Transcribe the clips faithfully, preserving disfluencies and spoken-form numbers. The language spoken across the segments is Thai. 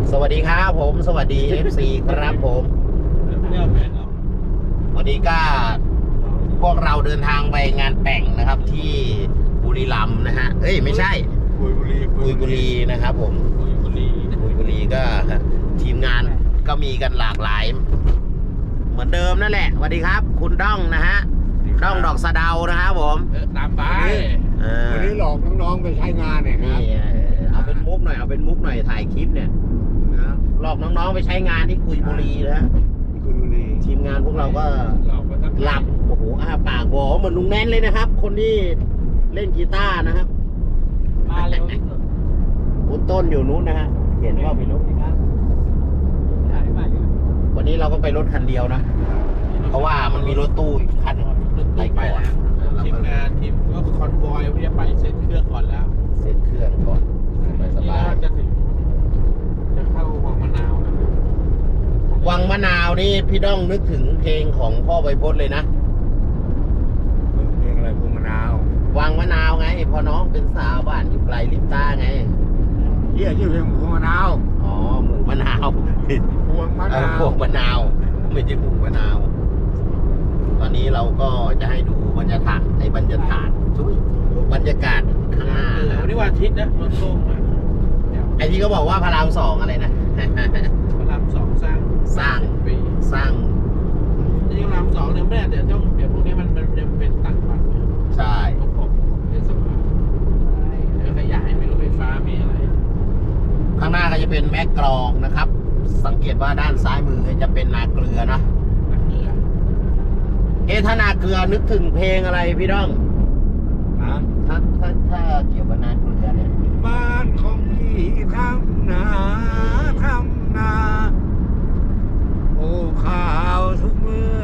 สวัสดีครับผมสวัสดี เอฟ ซี ครับผมวันนี้ก็พวกเราเดินทางไปงานแต่งนะครับที่บุรีรัมย์นะฮะเอ้ยไม่ใช่กุยบุรีกุยบุรีนะครับผมกุยบุรีกุยบุรีก็ทีมงานก็มีกันหลากหลายเหมือนเดิมนั่นแหละสวัสดีครับคุณด้องนะฮะด้องดอกสะเดานะครับผมตามไปวันนี้หลอกน้องๆไปใช้งานเนี่ยครับเอาเป็นมุกหน่อยเอาเป็นมุกหน่อยถ่ายคลิปเนี่ยหลอกน้องๆไปใช้งานที่กุยบุรีนะกุยบุรีทีมงานพวกเราก็หลับโอ้โหอ้าปากบอกเหมือนลุงแน่นเลยนะครับคนที่เล่นกีตาร์นะครับมาเร็วที่สุดคุณต้นอยู่นู้นนะฮะเห็นว่าไปรถวันนี้เราก็ไปรถคันเดียวนะเพราะว่ามันมีรถตู้อีกคันไปก่อนทีมงานทีมก็คอนวอยที่จะไปเซ็ตเครื่องก่อนแล้วเซ็ตเครื่องก่อนไปสบายจะถึงจะเข้าวังมะนาวนะวังมะนาวนี่พี่ด้องนึกถึงเพลงของพ่อไวโพจน์เลยนะเพลงอะไรพวงมะนาววังมะนาวไงพอน้องเป็นสาวบ้านอยู่ไกลลิบตาไงเรียกชื่อเพลงหมูมะนาวอ๋อหมูมะนาวพวงมะนาวพวงมะนาวไม่ใช่หมูมะนาวตอนนี้เราก็จะให้ดูบรรยากาศในบรรยากาศทุกบรรยากาศข้างหน้าวันนี้วันอาทิตย์นะรถโล่งไอ้ที่เขาบอกว่าพระรามสองอะไรนะพระรามสองสร้างสร้างปีสร้างที่พระรามสองเนี่ยไม่ได้เดี๋ยวต้องเดี๋ยวพวกนี้มันมันจะเป็นต่างวัดใช่ผมผมเป็นสภาเดี๋ยวขยายมีรถไฟฟ้ามีอะไรข้างหน้าก็จะเป็นแม่กลองนะครับสังเกตว่าด้านซ้ายมือจะเป็นนาเกลือนะนาเกลือเอ๊ะถ้านาเกลือนึกถึงเพลงอะไรพี่ด้องฮะถ้าถ้าถ้าเกี่ยวกับนาเกลือเนี่ยบ้านของพี่ทำนาทำนาโอ้ข้าวทุกเมื่อ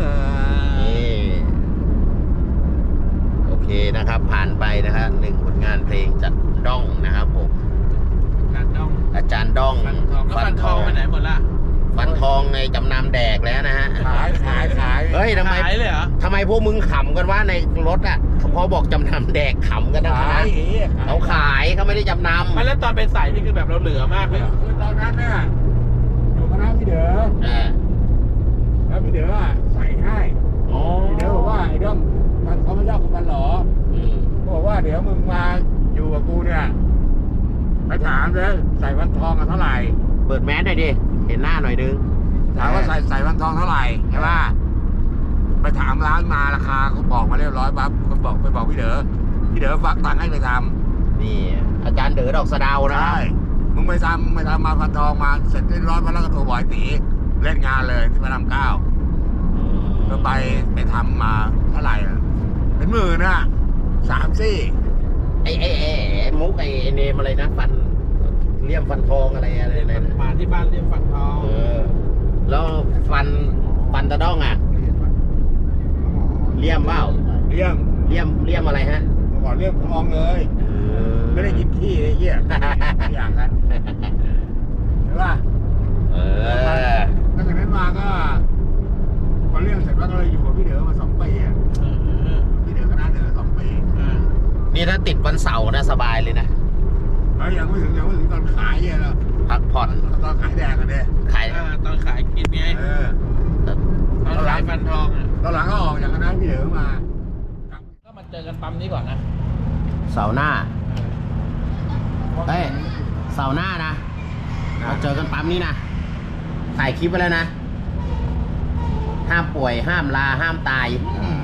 โอเคนะครับผ่านไปนะฮะหนึ่งผลงานเพลงจากด้องนะครับผมอาจารย์ด้องอาจารย์ด้องฟันทองไปไหนหมดละฟันทองในจำนำแดกแล้วนะฮะขายขายขายเฮ้ยทำไมขายเลยเหรอทำไมพวกมึงขำกันว่าในรถอ่ะพอบอกจำนำแดกขำกันนะเขาขายเขาไม่ได้จำนำไม่แล้วตอนไปใส่นี่คือแบบเราเหลือมากเลยคือตอนนั้นเนี่ยอยู่คณะพี่เด๋อแล้วพี่เด๋อใส่ให้พี่เด๋อบอกว่าไอ้ด้อมมันเขาไม่ชอบคนหรอบอกว่าเดี๋ยวมึงมาอยู่กับกูเนี่ยไปถามเลยใส่วันทองกันเท่าไหร่เปิดแมสหน่อยดิเห็นหน้าหน่อยนึงถามว่าใส่ใส่วันทองเท่าไหร่ใช่ป่ะไปถามร้านมาราคาเขาบอกมาเรียบร้อยปั๊บเขาบอกไปบอกพี่เด๋อพี่เด๋อฝากตังค์ให้ไปทำนี่อาจารย์เด๋อดอกสะเดานะใช่มึงไปทำมึงไปทำมาพันทองมาเสร็จเรียบร้อยมาแล้วก็โทรบอกไอ้ตีเล่นงานเลยที่พระรามเก้าก็ไปไปทำมาเท่าไหร่เป็นหมื่นนะสามซี่ไอ้ไอ้ไอ้มุกไอ้เนมอะไรนะฟันเลี่ยมฟันทองอะไรอะไรนะมาที่บ้านเลี่ยมฟันทองเออแล้วฟันฟันตะด้องอ่ะเลี่ยมเปล่าเลี่ยมเลี่ยมเลี่ยมอะไรฮะก่อนเลี่ยมทองเลยไม่ได้กินขี้ไอ้เหี้ยอย่างนั้นใช่ป่ะเออตั้งแต่นั้นมาก็พอเลี่ยมเสร็จแล้วก็เลยอยู่กับพี่เด๋อมาสองปีอ่ะพี่เด๋อคณะเด๋อสองปีนี่ถ้าติดวันเสาร์นะสบายเลยนะยังไม่ถึงยังไม่ถึงตอนขายเนี่ยหรอพักผ่อนตอนขายแดงกันเนี่ยขายตอนขายกินไงตอนขายฟันทองอ่ะตอนหลังก็ออกจากคณะพี่เด๋อมาก็มาเจอกันปั๊มนี้ก่อนนะเสาร์หน้าเฮ้ยเสาร์หน้านะมาเจอกันปั๊มนี้นะถ่ายคลิปไปแล้วนะห้ามป่วยห้ามลาห้ามตาย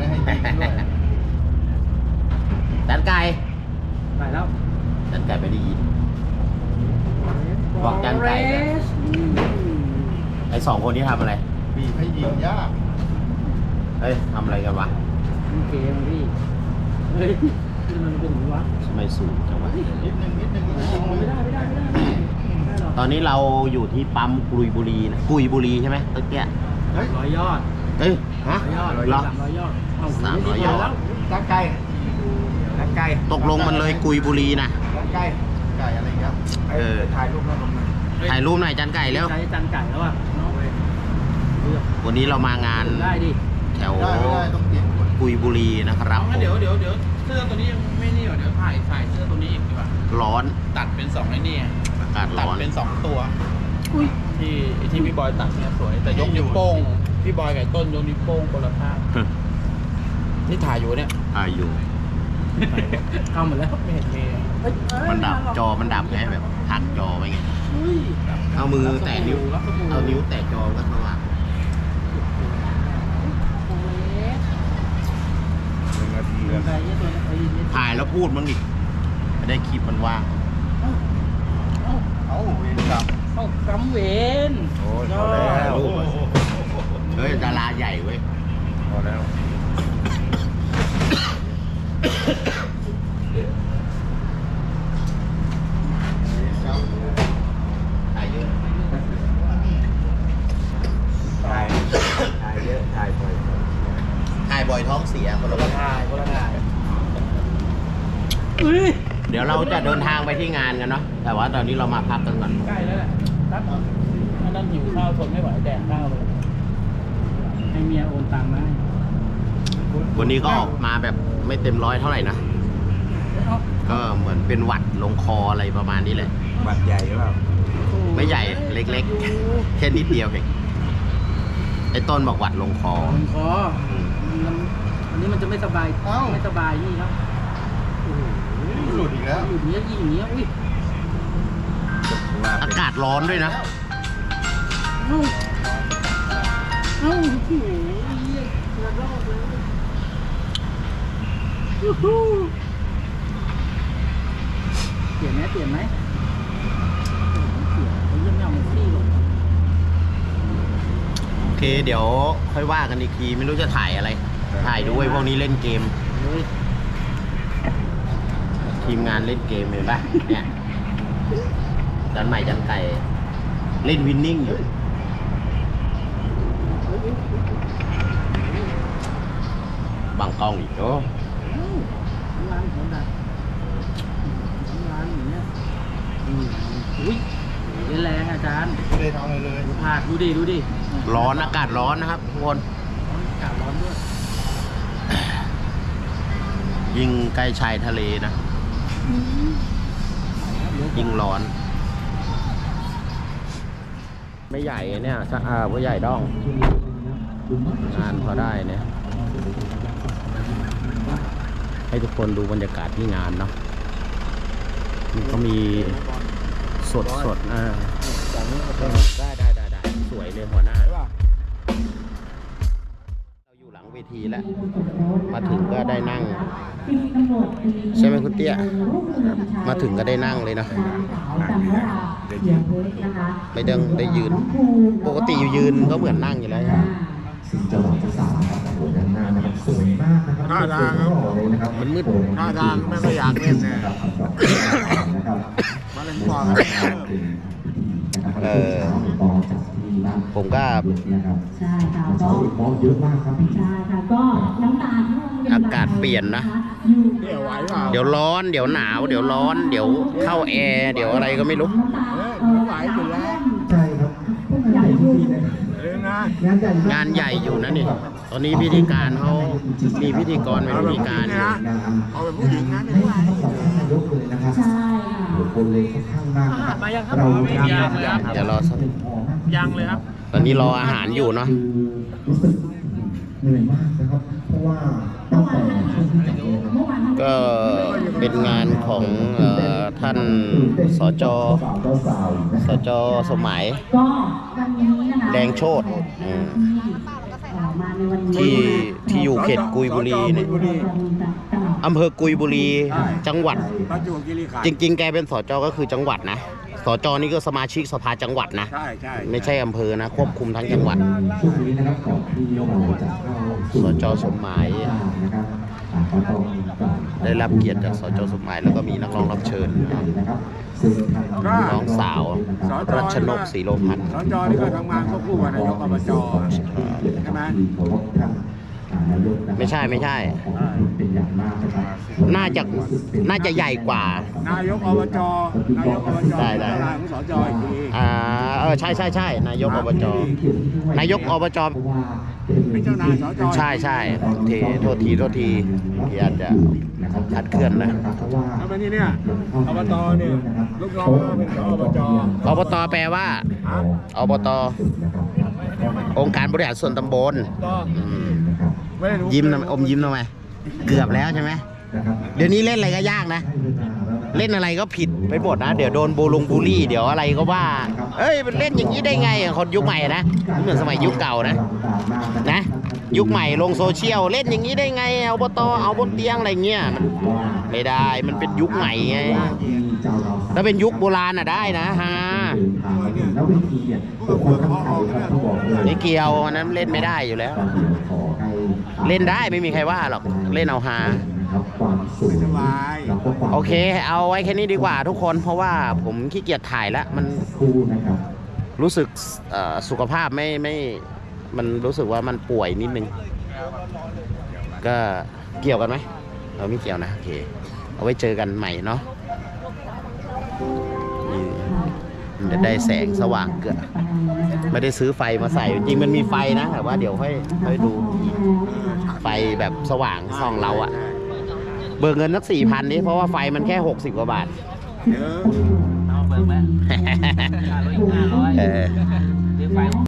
จันไก่ไปแล้วจันไก่ไปได้ยินบอกจันไก่ไอสองคนนี้ทำอะไรบีบให้ยิงยากเฮ้ยทำอะไรกันวะเกมพี่เฮ้ยมันเป็นวะทำไมสูงจังวะนิดนึงนิดนึงไม่ได้ไม่ได้ไม่ได้ตอนนี้เราอยู่ที่ปั๊มกุยบุรีนะกุยบุรีใช่ไหมตะเกียร้อยยอดเอ้ยฮะร้อยยอดสามร้อยยอดสามร้อยยอดตั้งไก่ตั้งไก่ตกลงมันเลยกุยบุรีนะตั้งไก่ไก่อะไรครับเออถ่ายรูปแล้วลงมาถ่ายรูปหน่อยจันไก่แล้วใช้จันไก่แล้วอ่ะวันนี้เรามางานได้ดิแถวกุยบุรีนะครับเดี๋ยวเดี๋ยวเดี๋ยวเสื้อตัวนี้ยังไม่นี่หรอเดี๋ยวถ่ายใส่เสื้อตัวนี้อีกดีกว่าร้อนตัดเป็นสองไอ้นี่อากาศร้อนเป็นสองตัวอุ้ยที่ที่พี่บอยตัดเนี่ยสวย แต่ยกนิ้วโป้งพี่บอยกับต้นยกนิ้วโป้งคนละข้างที่ถ่ายอยู่เนี่ยอายุเข้าหมดแล้วไม่เห็นมีเอ้ยเอ้ยมันดับจอมันดับไงแบบพักจอไว้ไงอุ้ยเอามือแตะนิ้วรับสบู่เอานิ้วแตะจอก็สว่างโอ้ยหนึ่งนาทีแล้วใครเนี่ยตัวไอ้เนี่ยถ่ายแล้วพูดมั้งดิไม่ได้คลิปมันว่างเอ้าเอ้าเอาเวรกรรมเอ้ากำเวนโอ้ยพอแล้วเฮ้ยดาราใหญ่เว้ยพอแล้วถ่ายเยอะถ่ายถ่ายเยอะถ่ายบ่อยถ่ายบ่อยท้องเสียคนละคนถ่ายคนละถ่ายอุ้ยเดี๋ยวเราจะเดินทางไปที่งานกันเนาะแต่ว่าตอนนี้เรามาพักกันก่อนใกล้แล้วแหละตัดอันนั้นหิวข้าวทนไม่ไหวแดกข้าวเลยให้เมียโอนตังค์มาให้วันนี้ก็ออกมาแบบไม่เต็มร้อยเท่าไหร่นะเอ้าก็เหมือนเป็นหวัดลงคออะไรประมาณนี้เลยบัตรใหญ่หรือเปล่าไม่ใหญ่เล็กๆ แค่นิดเดียวเองไอ้ต้นบอกหวัดลงคอลงคอมันอันนี้มันจะไม่สบายไม่สบายนี่ครับโอ้โหหลุดอีกแล้วอยู่เนี้ยยิงอย่างเนี้ยอุ้ยอากาศร้อนด้วยนะเอ้าเอ้าโอ้โหเหี้ยกระรอกเลยยูฮูเปลี่ยนไหมเปลี่ยนไหมเปลี่ยนเขาเยี่ยมยอดมันซี่หรอกโอเค เดี๋ยวค่อยว่ากันอีกทีไม่รู้จะถ่ายอะไร ถ่ายด้วยพวกนี้เล่นเกมเฮ้ยทีมงานเล่นเกมเห็นปะเนี่ยจันใหม่จันไก่เล่นวินนิ่งอยู่บังกล้องอีกโอ้เอ้าร้านเขาดักร้านอย่างเงี้ยอืมอุ้ยเล่นแรงอาจารย์ไม่ได้ทำอะไรเลยดูผาดดูดิดูดิร้อนอากาศร้อนนะครับทุกคนร้อนอากาศร้อนด้วยยิ่งใกล้ชายทะเลนะ ยิ่งร้อน ไม่ใหญ่เนี่ยถ้าอ่าผู้ใหญ่ด้อง งานพอได้เนี่ย ให้ทุกคนดูบรรยากาศที่งานเนาะมันก็มีสดสดๆอ่าได้ได้ได้ได้สวยเลยหัวหน้า เราอยู่หลังเวทีแล้ว มาถึงก็ได้นั่ง ใช่ไหมคุณเตี้ย มาถึงก็ได้นั่งเลยเนาะไม่ต้องได้ยืน ปกติอยู่ยืนก็เหมือนนั่งอยู่แล้วสิ่งจังหวะที่สามครับโอ้โหด้านหน้านะครับสวยมากนะครับท่าทางครับเลยนะครับมันมืดท่าทางไม่ค่อยอยากเล่นเนี่ยนะครับนะครับมาเล่นบอลเออ ผมก็นะครับใช่ค่ะเช้าก็อีกมองเยอะมากครับพี่ใช่ค่ะก็น้ำตาที่โรงเรียนอากาศเปลี่ยนนะอยู่เดี๋ยวไหวเปล่าเดี๋ยวร้อน เดี๋ยวหนาว เดี๋ยวร้อน เดี๋ยวเข้าแอร์ เดี๋ยวอะไรก็ไม่รู้น้ำตาเฮ้ยไม่ไหวอยู่แล้วใช่ครับใหญ่จริงๆนะครับเล่นนะงานใหญ่มกงานใหญ่อยู่นะนี่ ตอนนี้พิธีการเขามีพิธีกรเป็นพิธีการอยู่เอาเป็นผู้หญิงนะไม่ไม่ไหวต้องบอกนายกเลยนะครับใช่ค่ะโอ้โหคนเลยค่อนข้างมากนะครับมายังครับเราไม่ยังเลยครับเดี๋ยวรอสักยังเลยครับตอนนี้รออาหารอยู่เนาะคือรู้สึกเหนื่อยมากนะครับ เพราะว่าตั้งแต่ช่วงที่จัดงานเมื่อวานก็เป็นงานของเอ่อท่านสจ สจสมัยก็วันนี้นะคะแดงโชติอืมเอ่อมาในวันนี้ที่ที่อยู่เขตกุยบุรีเนี่ยอำเภอกุยบุรี จังหวัดประจวบคีรีขันจธ์ริง ๆ แกเป็นสจก็คือจังหวัดนะ สจนี่ก็สมาชิกสภาจังหวัดนะใช่ใช่ไม่ใช่อำเภอนะ ควบคุมทั้งจังหวัดช่วงนี้นะครับก่อนที่เราจะเข้าสู่สจสมหมายนะครับอ่าก็ต้องกล่าวได้รับเกียรติจากสจสมหมายแล้วก็มีนักร้องรับเชิญนะครับซึ่งทางน้องสาว รัชนกศรีโลพันธ์สจนี่ก็ทำงานควบคู่กับนายกอบจใช่ไหมเคารพท่านอ่านายกนะครับไม่ใช่ไม่ใช่ขอบคุณเป็นอย่างมากนะครับน่าจะน่าจะใหญ่กว่านายกอบจนายกอบจได้ได้เป็นประธานของสจอีกทีอ่าเออใช่ใช่ใช่นายกอบจ นายกอบจเพราะว่าเป็นเจ้านายสจใช่ใช่เทโทษทีโทษทีที่อาจจะคลาดเคลื่อนนะแล้วเป็นนี่เนี่ยอบตเนี่ยลูกน้องเป็นอบจอบตแปลว่าอบตองค์การบริหารส่วนตำบลก็อืมไม่ได้รู้ยิ้มทำไมอมยิ้มทำไมเกือบแล้วใช่ไหมเดี๋ยวนี้เล่นอะไรก็ยากนะ เล่นอะไรก็ผิดไปหมดนะ เดี๋ยวโดนบูลงบูลลี่เดี๋ยวอะไรก็ว่า เอ้ยมันเล่นอย่างนี้ได้ไงคนยุคใหม่นะไม่เหมือนสมัยยุคเก่านะนะ ยุคใหม่ลงโซเชียลเล่นอย่างนี้ได้ไงเอาบตเอาบนเตียงอะไรเงี้ยมันไม่ได้มันเป็นยุคใหม่ไงถ้าเป็นยุคโบราณอ่ะได้นะฮะแล้ววิธีเนี่ยบุคคลทั้งไทยครับต้องบอกเลยไม่เกี่ยวอันนั้นเล่นไม่ได้อยู่แล้วขอให้เล่นได้ไม่มีใครว่าหรอกเล่นเอาฮานะครับความสุขสบายแล้วก็ความโอเค เอาไว้แค่นี้ดีกว่าทุกคน เพราะว่าผมขี้เกียจถ่ายแล้ว มันคู่นะครับรู้สึกเอ่อสุขภาพไม่ไม่ มันรู้สึกว่ามันป่วยนิดนึง ก็เกี่ยวกันไหมเออไม่เกี่ยวนะ โอเค เอาไว้เจอกันใหม่เนาะนี่มันจะได้แสงสว่างเกินไม่ได้ซื้อไฟมาใส่ จริงๆมันมีไฟนะ แต่ว่าเดี๋ยวค่อยค่อยดู ไฟแบบสว่างส่องเราอะเบิกเงินสักสี่พันนี้เพราะว่าไฟมันแค่หกสิบกว่าบาทเดี๋ยวเอาเบิกไหมค่ารถอีกห้าร้อยเออซื้อไฟ